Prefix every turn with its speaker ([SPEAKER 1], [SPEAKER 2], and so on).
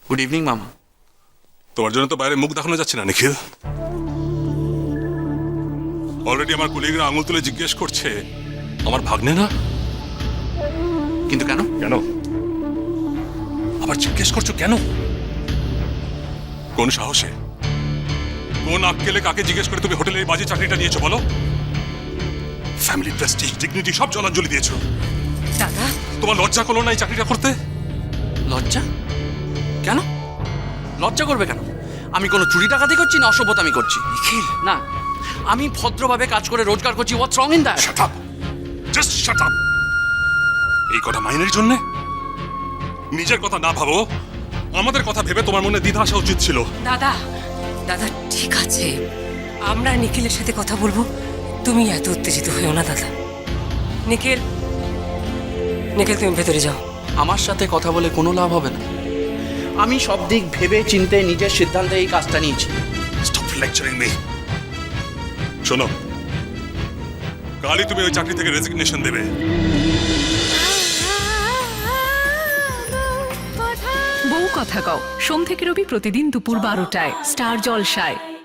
[SPEAKER 1] Good evening মামা।
[SPEAKER 2] তোমার জন্য তো বাইরে মুখ দেখানো যাচ্ছে না নিখিল। অলরেডি আমার কলিগরা আঙুল তুলে জিজ্ঞেস করছে আমার ভাগ্নে না।
[SPEAKER 1] কিন্তু কেন?
[SPEAKER 2] কেন আবার জিজ্ঞেস করছো কেন? কোন সাহসে, কোন আক্কেলে কাকে জিজ্ঞেস করে তুমি হোটেলে এই বাজে চাকরিটা নিয়েছো বলো? ফ্যামিলি প্রেস্টিজ ডিগনিটি সব জলাঞ্জলি দিয়েছো।
[SPEAKER 3] দাদা,
[SPEAKER 2] তোমার লজ্জা করলো না এই চাকরিটা করতে?
[SPEAKER 1] লজ্জা? কেন লজ্জা করবে কেন? আমি কোনো চুরি ডাকাতি করছি না অসভ্যতামি করছি?
[SPEAKER 2] নিখিল,
[SPEAKER 1] না, আমি ভদ্রভাবে কাজ করে রোজগার করছি। What's wrong in that?
[SPEAKER 2] Shut up, just shut up. এই কথা মাইনের জন্য নিজের কথা না ভাবো, আমাদের কথা ভেবে তোমার মনে দ্বিধা আসা উচিত ছিল।
[SPEAKER 3] দাদা, দাদা ঠিক আছে, আমরা নিখিলের সাথে কথা বলবো। তুমি এত উত্তেজিত হয়েও না দাদা। নিখিল, নিখিল তুমি ভেতরে যাও।
[SPEAKER 1] আমার সাথে কথা বলে কোনো লাভ হবে না। আমি সব দিক ভেবে চিন্তে নিজের সিদ্ধান্তে এই কাজটা নিয়েছি।
[SPEAKER 2] Stop lecturing me. শোনো, কালই তুমি ওই চাকরি থেকে রেজিগনেশন দেবে।
[SPEAKER 4] বউ কথা কও সোম থেকে রবি প্রতিদিন দুপুর 12টায় স্টার জলসায়।